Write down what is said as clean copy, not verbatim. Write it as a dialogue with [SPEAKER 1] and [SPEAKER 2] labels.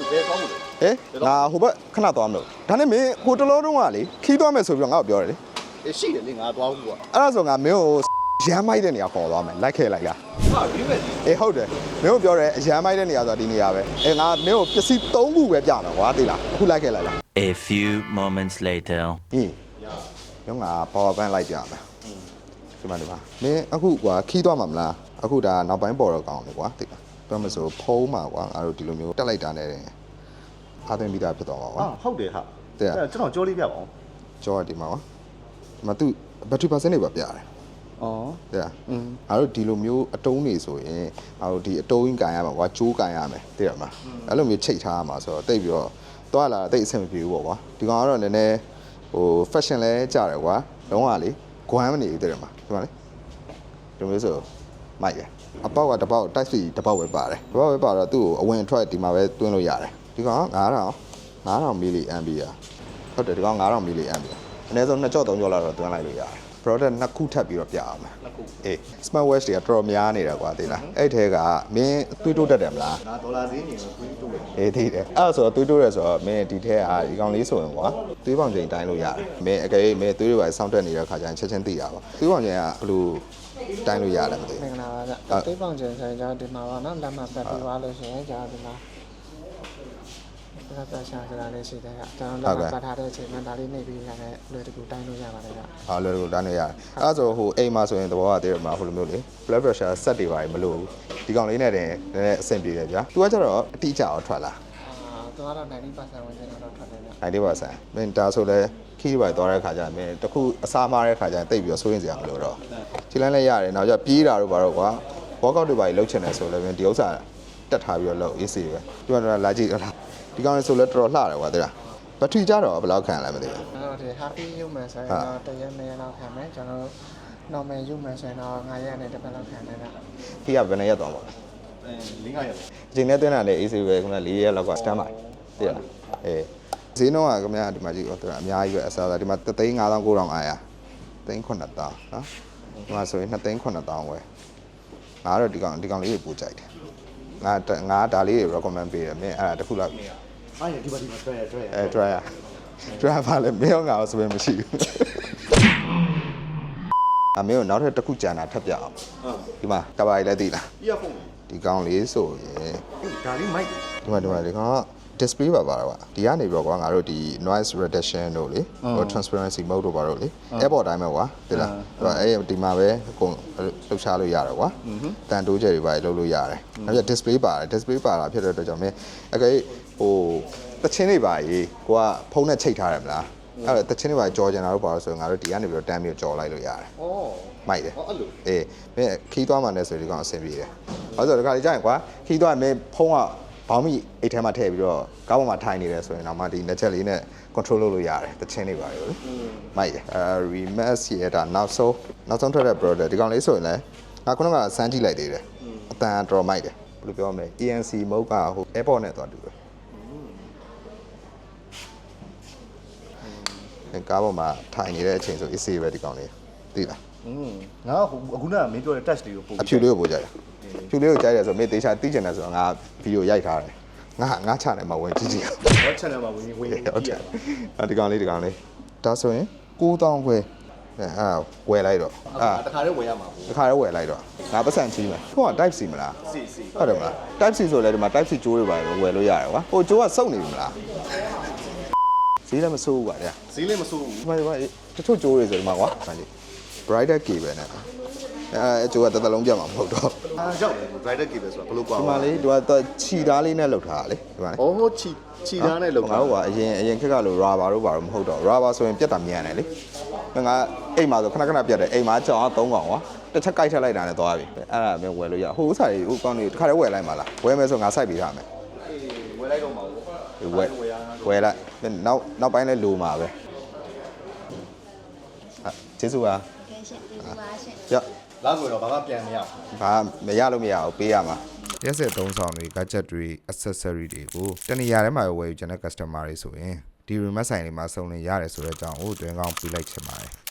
[SPEAKER 1] ဘယ်သွားမလို့
[SPEAKER 2] ငါဟိုဘက်ခဏသွားမလို့ဒါနဲ့မင်းဟိုတလုံးတုံးကလေခီးသွားမယ်ဆိုပြီးတော့ငါ့ကိုပြောတယ်လေ
[SPEAKER 1] ရှိတယ်လေငါသွားဘူးကွာ
[SPEAKER 2] အဲ့ဒါဆိုငါမင်းကိုရမ်းမိုက်တဲ့နေရာခေါ်သွားမယ်လိုက်ခဲ့လိုက်လား
[SPEAKER 1] ဟာဒီမဲ့
[SPEAKER 2] ဟုတ်တယ်မင်းကိုပြောတယ်ရမ်းမိုက်တဲ့နေရာဆိုတာဒီနေရာပဲငါမင်းကိုပစ္စည်း3ခုပဲပြမယ်ကွာသိလားအခုလိုက်ခဲ့လိုက်လား
[SPEAKER 3] A few moments later
[SPEAKER 2] ညငါ power bank လိုက်ပြမယ်ဒီမှာမင်းအခုကွာခီးသွားမှာမလားအခုဒါနောက်ပိုင်းပေါ်တော့ကောင်းတယ်ကွာသိလားပြောမဆိုဖုံးမှာကွာငါတို့ဒီလိုမျိုးတက်လိုက်တာနဲ့အားသွင်းပြီးသားဖြစ်သွားပါကွာ
[SPEAKER 1] ဟုတ်တယ်ဟာကျွန်တော်ကြောလေးပြပါအောင်
[SPEAKER 2] ကြောဒီမှာကွာဒီမှာသူဘက်ထရီပါစင်တွေပါပြတယ်တဲ့အားတို့ဒီလိုမျိုးအတုံးနေဆိုရင်အားတို့ဒီအတုံးကြီးကန်ရမှာကွာကျိုးကန်ရမယ်သိရမလားအဲ့လိုမျိုးချိတ်ထားရမှာဆိုတော့တိတ်ပြီးတော့သွားလာတိတ်အဆင်မပြေဘူးပေါ့ကွာဒီကောင်ကတော့နည်းနည်းဟို fashion လဲကြတယ်ကွာလုံးဝလေဂွမ်းမနေဘူးသိရမလားဒီမှာလေဒီမျိုးဆိုမိုက်ရအပေါက်ကတစ်ပေါက် type C တစ်ပေါက်ပဲပါတယ်တစ်ပေါက်ပဲပါတော့သူ့ကိုအဝင်အထွက်ဒီမှာပဲတွင်းလို့ရတယ်ဒီကောင်9000 mili ampere ဟုတ်တယ်ဒီကောင်9000 mili ampere အနည်းဆုံး2ကြော့3ကြော့လောက်တော့တွင်းလိုက်လို့ရတယ် product နှစ်ခုထပ်ပြီးတော့ပြအောင်မယ်smart watch တွေကတော်တော်များနေတယ်ကွာသိလားအဲ့ထဲကမင်းသွေးတိုးတတ်တယ်မလား
[SPEAKER 1] ငါဒေါ်လာဈေးနေကိုသွေးတိုးတယ်
[SPEAKER 2] သိတယ်အဲ့ဆိုတော့သွေးတိုးရဲဆိုတော့မင်းဒီထဲကဒီကောင်လေးဆိုရင်ကွာသွေးပေါင်ချိန်တိုင်းလို့ရတယ်မင်းအကယ်မင်းသွေးတွေပါစောင့်တက်နေတဲ့ခါကျရင်ချက်ချင်းသိတာပါသွေးပေါင်ချိန်ကဘယ်လိုတိုင်းလို့ရတယ်မသိဘူး
[SPEAKER 4] မင်္ဂလာပါဗျသွေးပေါင်ချိန်ဆိုရင်ကျွန်တော်ဒီမှာပါနော်လက်မှတ်ပတ်ပြီးသွားလို့ရှိရင်ကျွန်တော်ဒီမှာဒါပတ်ရှာဆိုတာလေးရှိတယ်ကကျွန်တော်လက်မှတ်ပတ်ထားတဲ့အချိန်မှာဒါလေးနှိပ်ပြီးရတယ်လွယ်တကူတိုင်းလို့ရပါတယ်ဗျ
[SPEAKER 2] လွယ်တကူတိုင်းလို့ရတယ်အဲ့ဆိုဟိုအိမ်မှာဆိုရင်သဘောကတည်းကမှာဟိုလိုမျိုးလေ blood pressure စက်တွေပါမလို့ဘူးဒီကောင်လေးနဲ့တင်နည်းနည်းအဆင်ပြေတယ်ဗျာသူကကျတော့အတိအကျအောင်ထွက်လာ
[SPEAKER 4] သူကတော့90%ဝင်ကျတော့ထွက်တယ်ဗျ
[SPEAKER 2] 90%မင်းဒါဆိုလဲခီးပါသွားတဲ့ခါကျရင်မင်းတခုအစားမားတဲ့ခါကျရင်တိတ်ပြီးတော့စိုးရင်စရာမလိုတော့ခြေလမ်းလည်းရတယ်နောက်ကျပြေးတာတို့ဘာတော့ကွာ workout တွေပါလှုပ်ချင်တယ်ဆိုလည်းမင်းဒီဥစ္စာတက်ထားပြီးတော့လှုပ် AC ပဲဒီမှာလာကြည့်တော့ဒီကောင်လေးဆိုလဲတော်တော်လှတယ်ကွာသိလားဘက်ထရီကြတော့ဘယ်လောက်ခံလဲမသိဘူး
[SPEAKER 4] ဒီ happy ယူမယ်ဆိုရင်တော့တရက်2ရက်လောက်ခံမယ်ကျွန်တော် normal ယူမယ်ဆိုရင်တော့9ရက်နဲ့တစ်ပတ်လောက်ခံတယ်ဗျ
[SPEAKER 2] ခီးကဘယ်နှစ်ရက်သွားမှာ
[SPEAKER 1] 4-5ရက်
[SPEAKER 2] အချိန်နဲ့တွင်းတာလည်း AC ပဲခင်ဗျ4ရက်လောက်က stand by သိရလားဈေးနှုန်းကခင်ဗျာဒီမှာကြည့်တော့အများကြီးပဲအစားစားဒီမှာ3,59,900 3,900နော်ဒီမှာဆိုရင်2,900ဝယ်ငါတော့ဒီကောင်လေးကိုပို့ကြိုက်တယ်ငါဒါလေးတွေ recommend ပေးတယ်မင်းအဲ့ဒါတစ်ခုလောက်
[SPEAKER 1] အားရဒီမှာ
[SPEAKER 2] try ပါလေမင်းငါ့ဆိုရင်မရှိဘူးအမေကနောက်ထပ်တစ်ခုကြံတာထပ်ပြအောင်ဒီမှာတပါးလေးလည်းသိလားဒီကောင်လေးဆိုရင်
[SPEAKER 1] ဒါလေးမိုက်
[SPEAKER 2] ဒီမှာဒီကောင်က display ပါကွာဒီကနေပြီးတော့ကွာငါတို့ဒီ noise reduction တို့လေဟို transparency mode တို့ပါတော့လေ airport တိုင်းပဲကွာသိလားအဲ့ဒီမှာပဲအကုန်လှုပ်ရှားလို့ရတယ်ကွာတန်တိုးချက်တွေပါလှုပ်လို့ရတယ်နောက်ပြ display ပါတယ် display ပါတာဖြစ်တဲ့အတွက်ကြောင့်မင်းအကယ်ဟိုတချင်းတွေပါကြီးကိုကဖုန်းနဲ့ချိတ်ထားတယ်မလားအဲ့တော့တချင်းတွေပါကြော်ကျင်တာတို့ပါလို့ဆိုရင်ငါတို့ဒီကနေပြီးတော့တန်းပြီးကြော်လိုက်လို့ရတယ်မိုက်တယ်
[SPEAKER 1] အဲ့လို
[SPEAKER 2] မင်းခီးသွားမှလည်းဆိုဒီကောင်အဆင်ပြေတယ်ဘာလို့ဆိုတော့ဒီခါလေးကြာရင်ကွာခီးသွားမင်းဖုန်းကဘောင်းမီအိတ်ထဲမှာထည့်ပြီးတော့ကားပေါ်မှာထိုင်နေတယ်ဆိုရင်တော့မှဒီလက်ချက်လေးနဲ့ control လုပ်လို့ရတယ်တချင်းတွေပါလေမိုက်တယ်rematch ရတာနောက်ဆုံးထွက်တဲ့ product ဒီကောင်လေးဆိုရင်လည်းငါခုနကစမ်းကြည့်လိုက်သေးတယ်အတန်တော်မိုက်တယ်ဘယ်လိုပြောမလဲ ANC mode ကဟို airport နဲ့သွားတူတယ်ကားပေါ်မှာထိုင်နေတဲ့အချိန်ဆို AC ပဲဒီကောင်လေးသိလား
[SPEAKER 1] ငါအခုနကမင်းပြောတဲ့ touch လေးကိုပို့
[SPEAKER 2] အဖြူလေးကိုပို့ကြတယ်ဖြူလေးကိုကြိုက်တယ်ဆိုတော့မင်းတေချာသိကျင်တယ်ဆိုတော့ငါဗီဒီယိုရိုက်ထားတယ်ငါ channel မှာဝင်ကြည့်ကြည့်
[SPEAKER 1] အောင် channel မှာဝင်ကြည့်
[SPEAKER 2] ဒီကောင်လေးဒါဆိုရင်9,000ခွဲဝယ်လိုက်တော့
[SPEAKER 1] တခါတည်းဝယ်ရမှာပေါ့
[SPEAKER 2] တခါတည်းဝယ်လိုက်တော့ငါပတ်စံချီးမယ်ဟိုက type C မလား
[SPEAKER 1] စီ
[SPEAKER 2] ဟုတ်တယ်မလား type C ဆိုလဲဒီမှာ type C ကျိုးတွေပါဝယ်လို့ရတယ်ကွာဟိုကျိုးကစုပ်နေပြီမလားဈေးလည်းမစိုးဘူးကွာတဲ့
[SPEAKER 1] ဈေးလည်းမစိုးဘူး
[SPEAKER 2] ဒီမှာတချို့ကျိုးတွေဆိုဒီမှာကွာဗာလေ brighter cable နဲ့ကျိုးကတစ်လုံးပြတ်မှာမဟုတ်တော့
[SPEAKER 1] ရောက်တယ် brighter cable ဆိုတာဘယ်လိုကွာ
[SPEAKER 2] ဒီမှာလေသူကခြီသားလေးနဲ့လှုပ်ထားတာလေဒီမှာလေ
[SPEAKER 1] ခြီသားနဲ့လှုပ်ထား
[SPEAKER 2] တာဟုတ်ကအရင်ခက်ကလို့ rubber တို့ဘာလို့မဟုတ်တော့ rubber ဆိုရင်ပြတ်တာမြန်တယ်လေငါအိမ်မှာဆိုခဏပြတ်တယ်အိမ်မှာကြောင်က3កောင်ကွာတစ်ချက်ကြိုက်ထက်လိုက်တာနဲ့သွားပြီအဲ့ဒါမျိုးဝယ်လို့ရဟိုဥစားကြီးဟိုကောင်းနေတစ်ခါတည်းဝယ်လိုက်မှာလားဝယ်မယ်ဆိုငါစိုက်ပေးထားမယ်
[SPEAKER 1] ဝယ်လိုက်တော့မှာ
[SPEAKER 2] ပေါ့ဝယ်လိုက်နောက်ပိုင်းလဲလိုမှာပဲကျေးဇူးပါရ
[SPEAKER 1] လောက်ဆိုတော့ဘာမှပြန်မရ
[SPEAKER 2] ဘူးဘာမရလို့မရဘူးပေးရမှာရက်စက်သုံးဆောင်တွေ gadget တွေ accessory တွေကိုတနေရာထဲမှာဝယ်ယူချင်တဲ့ customer တွေဆိုရင်ဒီ remote ဆိုင်လေးမှာစုံလင်ရတယ်ဆိုတဲ့အကြောင်းကိုတွင်ကောင်းပြလိုက်ချင်ပါတယ်